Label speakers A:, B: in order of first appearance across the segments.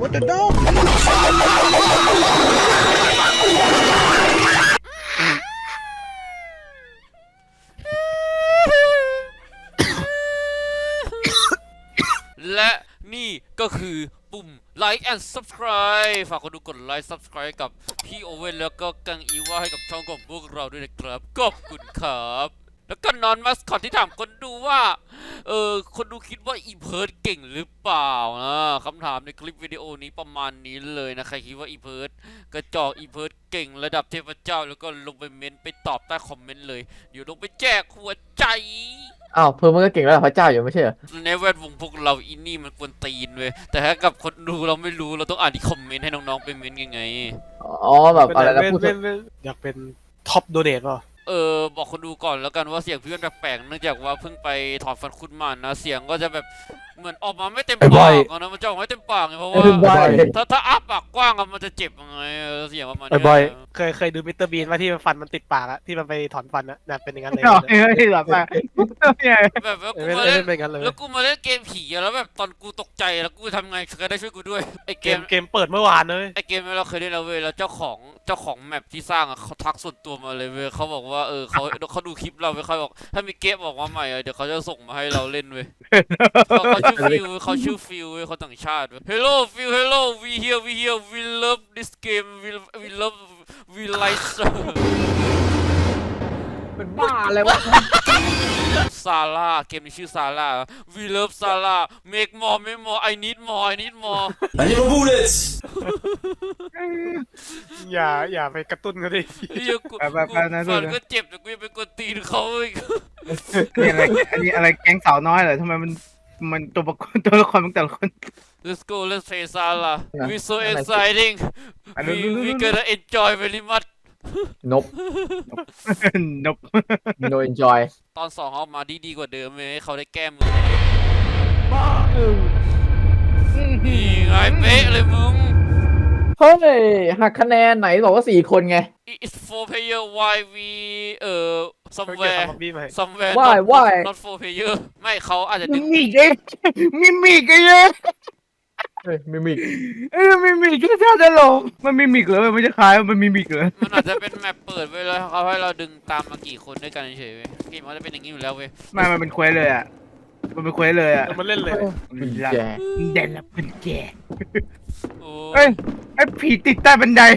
A: What the dog
B: และนี่ก็คือปุ่ม Like and Subscribe ฝากคนดูกด Like Subscribe กับพี่โอเว่นแล้วก็กังอีว่าให้กับช่องของพวกเราด้วยนะครับขอบคุณครับแล้วก็นอนมัสคอตที่ถามคนดูว่าคนดูคิดว่าอีเพิร์ดเก่งหรือเปล่านะคำถามในคลิปวิดีโอนี้ประมาณนี้เลยนะใครคิดว่าอีเพิร์ดกระจอกอีเพิร์ดเก่งระดับเทพเจ้าแล้วก็ลงไปเม้นไปตอบใต้คอมเมนต์เลยเดี๋ยวลงไปแจกหัวใจ
C: อ้าวเพิ่มมันก็เก่งแล้วพระเจ้าอยู่ไม่ใช่เหรอ
B: ในแวดวงพวกเราอินนี่มันกวนตีนเว้ยแต่ถ้ากับคนดูเราไม่รู้เราต้องอ่านที่คอมเมนต์ให้น้องๆไปเม้นยังไง
C: อ๋อแบบอะไรนะพูด
A: อยากเป็นท็อปโดเนทป่ะ
B: บอกคนดูก่อนแล้วกันว่าเสียงพี่มันแปลกๆเนื่องจากว่าเพิ่งไปถอนฟันคุดมานะเสียงก็จะแบบเหมือนออกมาไม่เต็มปากนะมันจะออกไม่เต็มปากไงเพราะว่าถ้าอ้าปากกว้างมันจะเจ็บยังไงเสียงประมาณนี้
A: บ่อยเคยดูมิสเตอร์บีนว่าที่ฟันมันติดปากอะที่มันไปถอนฟันอะน่ะเป็นอย่างนั้นเลยแบบ
B: แล้วกูมาเล่นเกมผีแล้วแบบตอนกูตกใจแล้วกูทำไงใครได้ช่วยกูด้วยไอเ
A: กมเปิดเมื่อวานเลย
B: ไอเกมเราเคยเล่นแล้วเว้ยแล้วเจ้าของแมปที่สร้างอะเขาทักส่วนตัวมาเลยเว้ยเขาบอกว่าเขาดูคลิปเราเว้ยเขาบอกถ้ามีเกมออกมาใหม่เดี๋ยวเขาจะส่งมาให้เราเล่นเว้ยเขาชื่อฟิลเว้ยเขาต่างชาติเว้ย Hello Phil Hello we here we love this game we love we like
C: เป็นบ้าอะไรวะ
B: ซาร่าเกมนี้ชื่อซาร่า we love ซาร่า make more I need more I need more
D: bullets
A: อย่าไปกระตุ้นเขาดิ
B: ฟันก็เจ็บแต่กูยังไปกดตีนเขาอีก
E: นี่อะไรอันนี้อะไรแก๊งสาวน้อยเหรอทำไมมันตัวละครมันแต่ละคน
B: Let's go let's play Sala we so exciting we gonna enjoy very much
C: นบ no enjoy
B: ตอน2เอามาดีกว่าเดิมเลยให้เขาได้แก้มือนี่ไงเป๊ะเลยมึง
C: เฮ้ยหักคะแนนไหนบอกว่า4 คนไง
B: It's 4 player why we somewhere not 4 player ไม่เขาอาจจะดึง
E: มิกไง
C: เฮ้ยมิมิก
E: มิกก็จะหลงมันมิกเหรอมันจะคล้ายมันมิกเหรอ
B: มันอาจจะเป็นแมปเปิดไว้แล้วเขาให้เราดึงตามมากี่คนด้วยกันเฉยๆเกมมันจะเป็นอย่างนี้อยู่แล้วเว้ย
E: มันเป็นเควสเลยอ่ะมันเป็นเควสเลยอ่ะ
A: มันเล่นเลย
E: เด่นละเป็นแกเฮ้ยไอ้ผีติดใต้บันได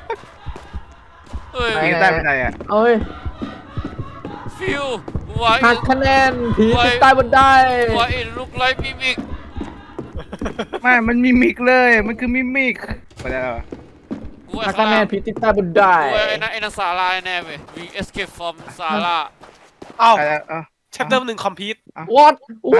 E: ผีใต้บันไดอ่ะ
C: เอ้ย
B: ฟิว
C: หักคะแนนผีติดใต้บันได
B: ว่าอินลุกไลฟ์มิมิก
E: ไม่มันมิมิกเลยมันคือมิมิกไปแล้ว
C: หักคะแนนผีติดใต้บันได
B: ไอ้นั่นซาร่าแน่เว้ย we escape from ซาร่า
A: อ้าวchapter 1 complete
C: what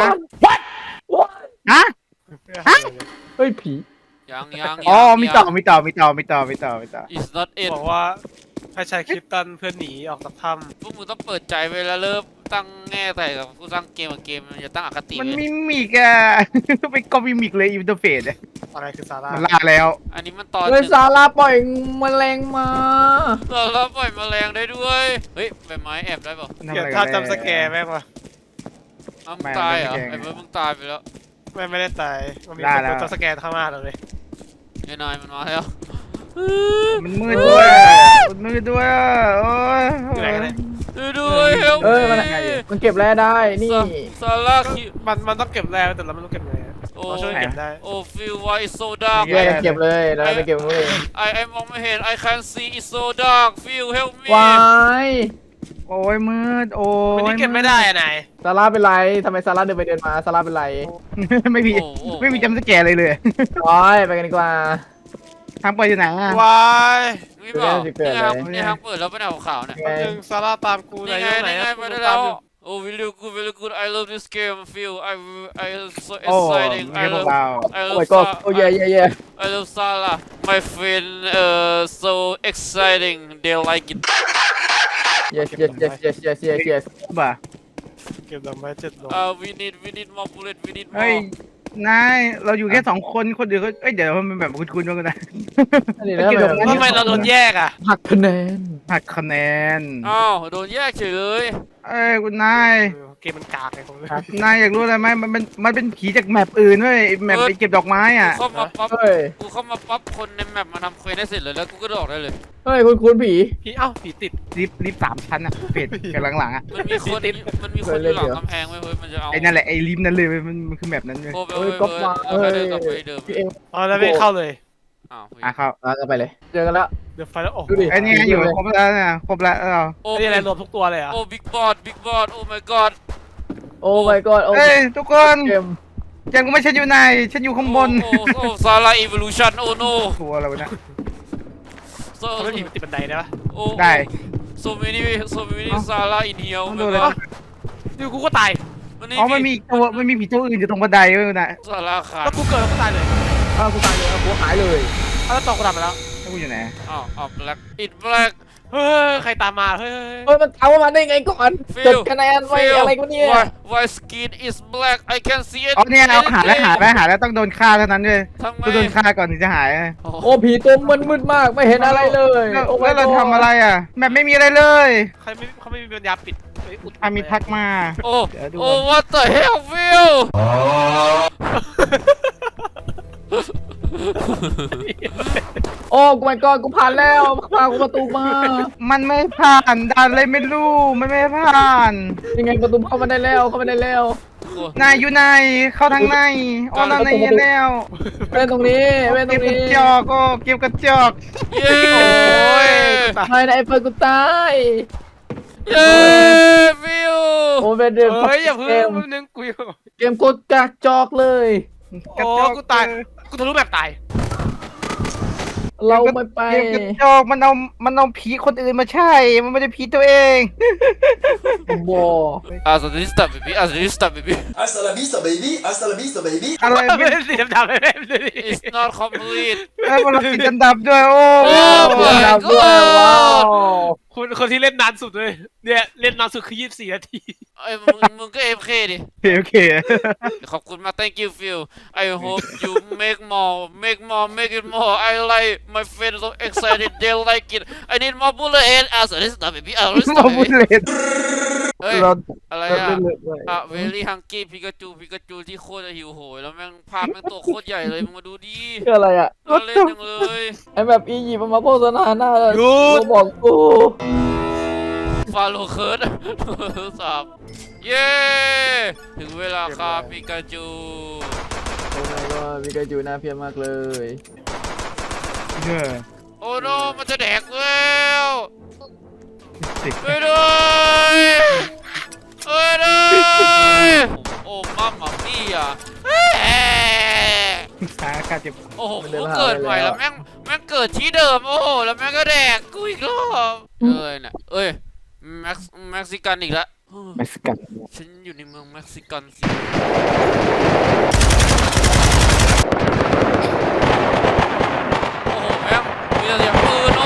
E: ฮะ
C: เฮ้ยผี
B: ยัง
E: อ๋อมีต่อ
B: is not it
A: บอกว่าให้ใช้คริปตันเพื่อหนีออกจากถ้
B: ำพวกมึงต้องเปิดใจไว้แล้วเริ่มตั้งแง่แต่กับผู้สร้างเกมอย่าตั้งอคติ
E: มันมิมิกอะไปก็มิมิกเลยอินเทอร์เฟซ
A: อะไรคือซาร่า
E: มันล่าแล้ว
B: อันนี้มันตอน
C: ซาร่าปล่อยแมลงมา
B: ซาร่าปล่อยแมลงได้ด้วยเฮ้ยใบไม้แอบได้ป่ะ
A: เดี๋ยวถ้าจำสแกร์แม่งวะ
B: มึงตายเหรอไอ้เบิร์ดมึงตายไปแล้ว
A: ไม่ได้ตายมันมีคนจำสแกร์ข้างหน้าเราเลย
B: ไอ้นายมันมาแล้ว
E: มันมืดด้วยโอ้ย
A: อะไรกันเนี่ย
B: ด้วย
C: มันเก็บแร่ได้นี่
B: ซาร่า
A: มันต้องเก็บแร่แต่เราไม่รู้เก็บไงเราช่วยเก็บได้
B: โอ้ฟิลว่า it's so dark
C: แยกเก็บเลยเราไปเก็บเลย
B: ไอ้มองไม่เห็น I can see it's so dark Phil help me
C: วาย
E: โอ้ยมืดโอ้ย
A: นี่เก็บไม่ได้อะนาย
C: ซาร่าเป็นไรทำไมซาร่าเดินไปเดินมาซาร่าเป็นไร
E: ไม่มีจำสแกร์เลย
C: ว้ายไปกันดีกว่า
E: ทางไปอยู่ไหน
A: วาย
B: นี่เปล่านี่ทางเปิดแล้วเป็นขาวเนี่ย
A: ซาร่าตามกู
B: นี่ไงไปได้แล้วOh, really good. I love this game, Phil. I so exciting.
E: I love.
C: Oh my god. Oh yeah.
B: I love Salah. My friend, so exciting. They like it.
C: Yes.
E: บ่า
A: เก็บดอกไม้7 ดอก
B: we need more bullet. We need more.
E: เฮ้ยนายเราอยู่แค่2 คนคนเดียวก็เดี๋ยวมันแบบคุณกันนะ
A: ทำไมเราโดนแยกอ่ะ
C: หักคะแนน
B: อ้าวโดนแยกเฉยเลย
E: คุณนาย
A: เกมมันกากไงผม
E: นายอยากรู้อะไรไหมมันเป็นผีจากแมปอื่นเว้ยแมปไปเก็บดอกไม้อ่ะ
B: เข้ามาปั๊บ
C: เฮ้ย
B: กูเข้ามาปั๊บคนในแมปมาทำเควสได้เสร็จเลยแล้วกูก็ออกได้เลย
C: เฮ้ยคุณผี
A: พี่เอ้าผีติด
E: ลิฟต์3 ชั้นอ่ะเป็ดกับหลังๆอ่ะ
B: มันมีคนอยู่หลังกำแพงไว้เฮ้ยมันจะเอา
E: ไอ้นั่นแหละไอ้ลิฟต์นั่นเลยเว้ยมันคือแมปนั้นเลย
B: โอ้ไป
C: เฮ้ย
B: เว้ย
C: ก็มา
B: เรา
C: เฮ้
B: แค่
C: ย
B: เดินกลับไปเดิม
C: พี่เอ็ม
A: อ๋อแล้วไม่เข้าเลย
B: อ้าว
E: อ่ะครับ
C: กันไปเลย เจอกันแล้ว
A: เดี๋ยวไฟแล้วโอ้โห
C: ดูดิ
E: ไอ้นี่อยู่ครบแล้วนะครบแล้วเรา
B: โอ้
A: นี่อะไรรวมทุกตัวเลยเหรอ่ะ
B: โอ้บิ๊กบอสโอ้ my god
C: โอ้ my god โอ้
E: เอ้ยทุกคน
C: เกม
E: ยังไม่ฉันอยู่ไหนฉันอยู่ข้างบน
B: โอ้ซาร่าอีวอลูชันโอ้ no
E: ตัวอะไรวะเนี่ย
B: so
A: เขาไม่ผีมันติดบันไดได้ปะ
B: โอ้
E: ได้
B: so many ซาร่าอินเฮีย
E: ต้องดูเลย
A: ดูกูก็ตาย
E: อ๋อมันมีผีตัวอื่นอยู่ตรงบันไดเว้ยนะ
B: ซาร่าขาด
A: แล้วกูเกิดแล้วกูตายเลย
C: กูตายเลยกูหายเลย
A: แล้วตกกูทำไปแล้ว
E: แล้วกูอยู่ไหน
B: อ้าวแบล็กอิดแบล็ก
A: เฮ้ยใครตามมาเฮ้ย
C: เฮ้ยมันเอามาได้ไงก่อน
B: Phil
C: จดคะแนนไว้อะไรกูเนี่ย
B: why skin is black I can see it
E: อ๋อเนี่ยเอาหาแล้วต้องโดนฆ่าเท่านั้นเลย
B: ทำไม
E: ต้องโดนฆ่าก่อนถึงจะหาย
C: โอ้ผีตัวมันมืดมากไม่เห็นอะไรเลย
E: แล้ว
C: โอ้
E: แล้วเราทำอะไรอ่ะแบบไม่มีอะไรเลย
A: เขาไม่มีปัญญาปิดไปอุด
E: มีทักมา
B: โอ้
E: เดี๋ยวดู
B: โอ้ what the hell Phil
C: โอ้กู my god กูผ่านแล้วพากูประตูมา
E: มันไม่ผ่านด่านอะไรไม่รู้มันไม่ผ่าน
C: ยังไงประตูเข้ามาได้แล้วเข้ามาได้แล้ว
E: นายอยู่ไหนเข้าทางในอ๋อนั่นในแล้ว
C: เป็นตรงนี้เป็นตร
E: เก็บ
C: ง
E: กระ
C: นี้
E: จอกโอ้เก็บกระจอก
B: เย้
C: ไม่นะไอ้เฟิร์นกูตาย
B: เย้ฟิว
C: โอ้เป็นเดือน
A: เฮ้ยอย่าเพิ่ง
C: เกม
A: แป๊บนึงกูอยู่
C: เกมกดกากจอกเลย
A: โอ้กูตายกูทะลุแบบตาย
C: เราไม่ไป
E: เก็บกระจอกมันเอาผีคนอื่นมาใช่มันไม่ได้ผีตัวเอง
C: บอ
B: Hasta la vista baby Hasta la vista baby
D: Hasta la vista, baby. Hasta la vista, baby.
E: อะไร
A: ไม่
E: ไม่
A: ได้สีดำๆไม่ได้ดูดิ
B: It's not complete
E: มันติดอันดับด้วยโอ้
B: โอ้ my
C: ดับด้วย
B: god
C: ว้าว
A: คนที่เล่นนานสุดเลยเนี่ยเล่นนานสุดคือ24 นาที
B: ไอ้มึงก็ AFK ดิ
E: โอเค
B: ขอบคุณมาก thank you Phil I hope you make it more I like my friends so excited they like it I need more bullet head Hasta la vista baby Hasta la vista
E: มาพูด
B: baby
E: เล่น
B: เฮ้ย
E: เรา
B: อะไรอ่ะอ่ะ very hungry พิกาจูที่โคตรหิวโหยแล้วแม่งภาพแม่งตัวโคตรใหญ่เลยมึงมาดูดิ
C: คืออะไรอ่ะ
B: น่าเล่นจังเลย
C: ไอ้แบบอียิปต์มันมาโฆษณาหน้า
A: หยุด
C: เราบอกกู
B: ฟาโลเคิร์ดสับเย้ถึงเวลาครับพิกาจู
C: โอ้ my god มีกาจูน่าเพียรมากเลย
B: โอ้โนมันจะแดกแล้ว
E: สิ
B: ช่วยด้วยช่วยด้วยโอ้มัมมัมมี่อ่ะ
E: สาขาเจ็บ
B: โอ้โหกูเกิดใหม่แล้วแม่งเกิดที่เดิมโอ้โหแล้วแม่งก็แดกกูอีกรอบน่ะเอ้ยเม็กซิกันอีกแล้ว
E: เม็กซิกัน
B: ฉันอยู่ในเมืองเม็กซิกันสิโอ้โหแม่งมีแต่เสียงปืนโอ้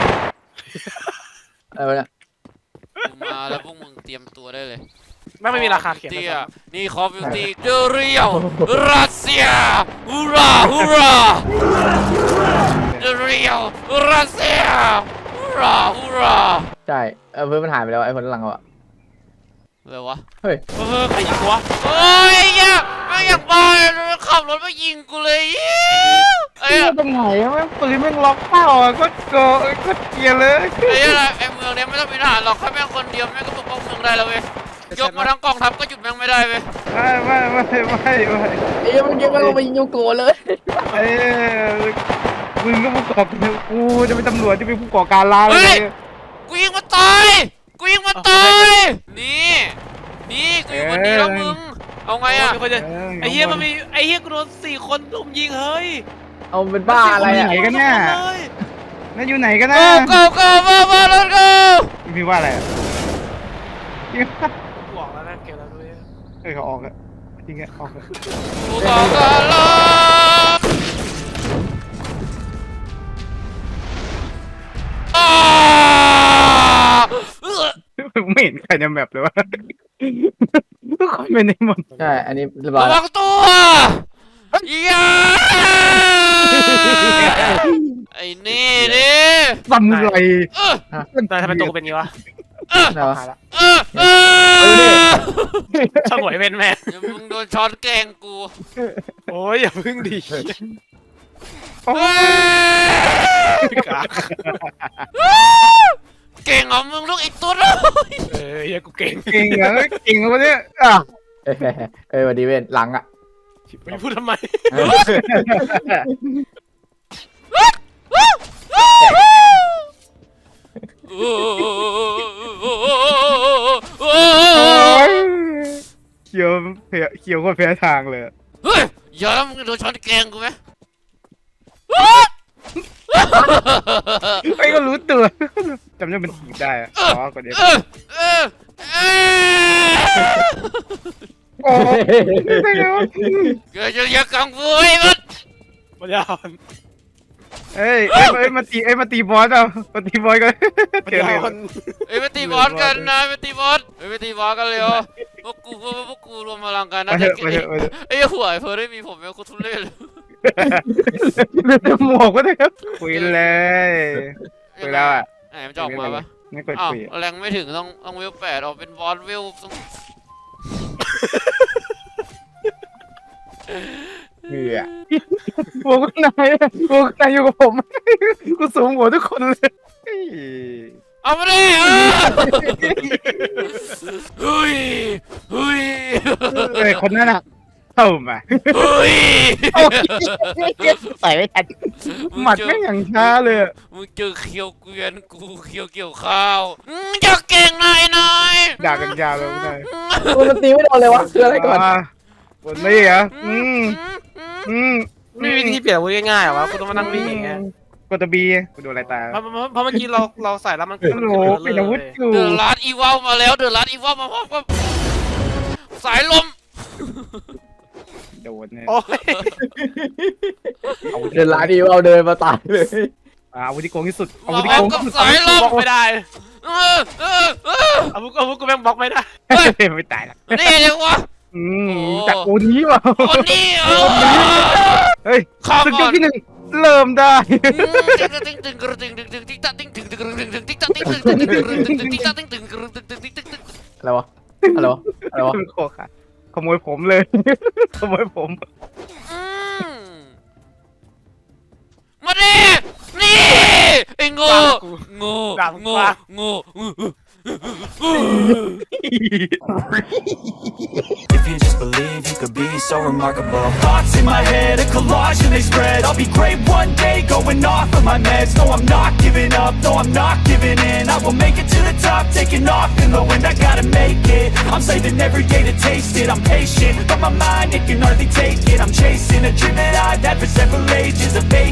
C: อะไรวะเนี่ย
B: กูมาแล้วพวกมึงเตรียมตัวได้เลย
A: ไม่มีราคาเขียน
B: เตี้
A: นะ
B: ยนี่คอฟฟิวตี้เดเรียวรัสเซียฮูราฮูราเดเรียวรัสเซียฮูรา
C: ใช่เพื่อนมันหายไปแล้วไอ้คนหลังเราอะ
B: อะไรวะ
C: เฮ้ย
A: ใครยิงกูวะ
B: โอ้ยอย่าไม่อยากไปขับรถมายิงกูเลยไอ้
E: ไอ้ตรงไหนแม่งปืนแม่งล็อกเป้าอ่ะก็เกลียเลย
B: ไอ้เมืองเนี้ยไม่ต้องมีทหารหรอกแค่แม่งคนเดียวแม่งก็ปกป้องเมืองได้แล้วเว้ยยกมาทั้งกองทัพก็หยุดแม่งไม่ได้เว้ย
E: ไม่
C: ไอ้มันยิงมันลงไปยิงยูโกะเลย
E: ไอ้มึงก็ผู้ก่อการกูจะเป็นตำรวจจะเป็นผู้ก่อการร้ายเลย
B: กูยิงมันตายนี่กูยิงมันดีแล้วมึงเอาไงอ่ะ
A: ไอ้เหี้ยมันมีไอ้เหี้ยกูโดน4 คนลุมยิงเฮ้ย
C: เอาเป็นบ้าอะไรอะ
E: ไหนกันเนี่ยนั่นอยู่ไหนกันนะ
B: go มา let's go
E: พี่ว่าอะไร
A: บอกแล้วนะเกมแล้วด้วย
E: เขาออกอะจริงอะออกอะ
B: กูขอการลบ
E: ไม่เห็นใครในแมปเลยวะทุกคนเป็นในหมด
C: ใช่อันนี้เรียบร้อย
B: ระ
C: แล้
B: วั
C: ว
B: งตัวอย่าไอ้นี่ดิ
E: ซัมไร
A: แต่ทำไมตัวกูเป็นงี้วะ
C: เนาะ
A: หายละ
B: เออเออ
A: ช่างหวยเป็นแม่
B: เดี๋ยวมึงโดนช้อนแกงกู
A: โอ้ยอย่าพึ่งดี กาก
B: เก่งเหรอมึงลูกอีกตัวเลย
A: เฮียกูเก่ง
E: เก่งเหรอเก่งเหรอวะเนี่ย
C: วันนี้เว้นหลังอ่ะ
A: ไม่พูดทำไม
E: โอ้ยเขียวเขียวก็แพ้ทางเลย
B: เฮ้ยอย่ามึงโดนช้อนแกงกูไหม
E: ไอ้ก็รู้ตัวจำได้มันถีบได้อะอ๋อก่อนเดียวโอ้ได้ไงวะ
B: อย่ากังฟูไอ้มัน
A: ปัญญาอ่อน
E: เอ้ยมาตีบอสเอามาตีบอสกัน
A: ปัญ
E: เจอ
A: ญา
E: เลย
A: อ่อน
B: เอ้ยไปตีบอสกันนะไปตีบอสไปตีบอสกันเร็วพวกกูรวมพลังกันนะ
E: มาเถอะมาเถอะมาเถอะ
B: ไอ้หัวไอ้เพิร์ดได้มีผมแล้วกูทุเรศเลย
E: หมวกก็ได้ครับคุยเลยคุยแล้วอ่ะ
B: ไหนมันจะออกมาปะ
E: ไม่กด
B: อ้าว
E: คุย
B: แรงไม่ถึงต้องเวล8ออกเป็นบอสเวลต้อง
C: เหนื่อย
E: หมวกนายอยู่กับผมกูสูงหัวทุกคนเลย
B: เอามาดิเฮ้ยเฮ้ย
E: เอ้ยคนนั้นอ่ะเข้ามา
B: เฮ้ย
E: ใส่ไม่ทันหมัดไม่งอย่างช้าเลย
B: มึงเจอเคียวเกวียนกูเคียวเกี่ยวข้าวจะเก่งหน่อย
E: ด่ากันยาวเลยนาย
C: มันตีไม่โดนเลยวะคืออะไรก่อน
E: บนนี้เหรอม
A: ไม่มีวิธีเปลี่ยนอาวุธง่ายๆหรอวะกูต้องมานั่งวิ่งอย่างเงี้ย
E: กดตัวบีกูดูอะไรตา
A: เพราะเมื่อกี้เราใส่แล้วมัน
E: โอ้โหเป็นอาวุธอยู่
B: เดือดร้านอีวอลมาแล้วเดือดร้านอีวอลมาพร้อมกับสายลม
E: โดนเนี่ย
A: โอ้ย
C: เดินร้านดีเอาเดินมาตายเลย
E: อาวุธที่โกงที่สุดอา
B: มา
E: วุธ
B: พ
E: ที่
B: ร้อ
E: โก
B: ม
E: ง
B: กับ
E: ที่สุด
B: สายลม
A: บล็อกไม่ได้
B: เออ
A: อาวุธกูแม่งบล็อกไม่ได้
E: ไม่ตายละ
B: นี่เลยวะ
E: จากโอนี้ว่ะ
B: คนนี้
E: เฮ้ย
B: ข้าม
E: ศึกย
B: ก่
E: ก
B: อน
E: ที่หนึ่งเริ่มได้
C: อะไรวะอะไรวะอะไรวะ
E: โคค่ะขโมยผมเลยขโมยผม
B: มาดินี่ไอ้โง่โง่โง่โง่
F: If you just believe you could be so remarkable. Thoughts in my head, a collage and they spread. I'll be great one day, going off of my meds. No, I'm not giving up, no, I'm not giving in. I will make it to the top, taking off in the wind. I gotta make it, I'm saving every day to taste it. I'm patient, but my mind, it can hardly take it. I'm chasing a dream that I've had for several ages. A